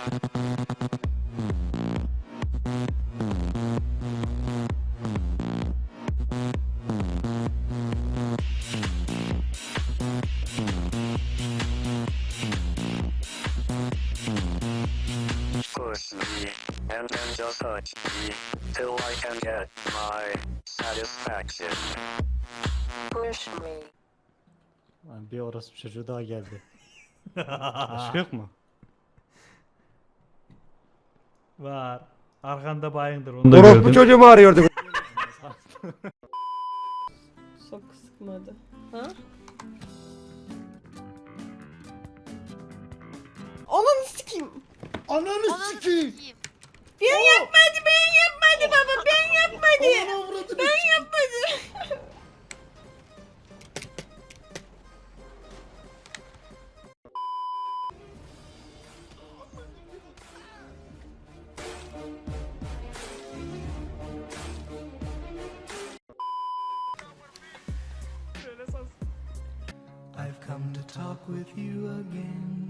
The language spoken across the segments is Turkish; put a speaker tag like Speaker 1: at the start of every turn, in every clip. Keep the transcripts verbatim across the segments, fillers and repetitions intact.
Speaker 1: Push me, and then just touch me, till I can get my satisfaction.
Speaker 2: Push me.
Speaker 3: Lan bir orospu çocuğu daha geldi. Başka yok mu?
Speaker 4: Var. Arkanda bayındır onu da
Speaker 5: Orospu
Speaker 4: gördüm.
Speaker 5: çocuğumu arıyorduk.
Speaker 2: Çok sıkmadı. Ha? Ananı sikeyim.
Speaker 6: Ananı sikeyim.
Speaker 2: Ben yapmadı, ben yapmadı baba, ben yapmadı. Ben yapmadım.
Speaker 7: I've come to talk with you again.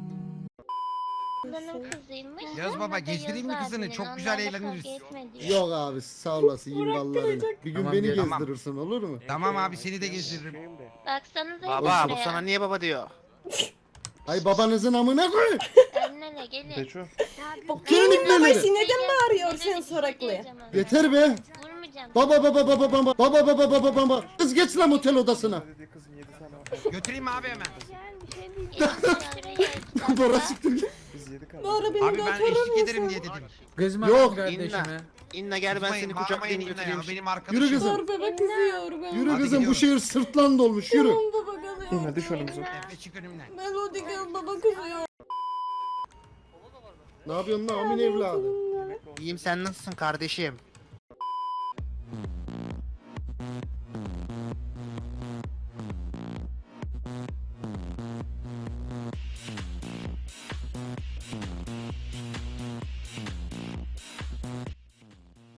Speaker 8: Benim kızıymış.
Speaker 9: Yaz baba, gezdireyim mi kızını? Çok güzel eğleniriz.
Speaker 6: Yok abi sağ olasın yimballarını. Bir gün
Speaker 9: Tamam,
Speaker 6: beni
Speaker 9: gel. Tamam.
Speaker 6: gezdirirsin olur mu?
Speaker 9: Tamam abi, seni de gezdiririm.
Speaker 8: Baksanıza
Speaker 10: Baba bu
Speaker 8: buraya.
Speaker 10: sana niye baba diyor?
Speaker 6: Ay babanızın amına koy.
Speaker 8: Annene gelin.
Speaker 6: Kimin
Speaker 2: Baba
Speaker 6: ipleri?
Speaker 2: neden bağırıyor sen soraklı?
Speaker 6: Yeter be.
Speaker 8: Vurmayacağım.
Speaker 6: Baba baba baba baba baba baba baba baba. Kız geç lan otel odasına.
Speaker 9: Götüreyim mi abi hemen?
Speaker 6: Bora siktir git.
Speaker 2: Doğru beni
Speaker 9: Abi ben
Speaker 2: götürür
Speaker 9: eşlik ederim
Speaker 2: müsün?
Speaker 9: diye dedim.
Speaker 5: Kızma
Speaker 6: Yok,
Speaker 5: kardeşime.
Speaker 10: İnne gel ben
Speaker 9: Kızmayın,
Speaker 10: seni
Speaker 9: bağırmayın
Speaker 10: kucaklayayım
Speaker 9: İnna ya,
Speaker 10: götüreyim.
Speaker 9: benim arkadaşım.
Speaker 6: Yürü kızım.
Speaker 2: Dur baba kızıyor ben.
Speaker 6: Yürü
Speaker 9: Hadi
Speaker 6: kızım bu
Speaker 9: gidiyoruz.
Speaker 6: şehir sırtlan dolmuş yürü.
Speaker 2: Tamam baba kalıyor.
Speaker 5: İnme düş önümüze.
Speaker 9: Efe çık önümden.
Speaker 2: Melody gel baba kızıyor.
Speaker 6: Ne yapıyorsun lan amin evladı?
Speaker 10: İyiyim, sen nasılsın kardeşim?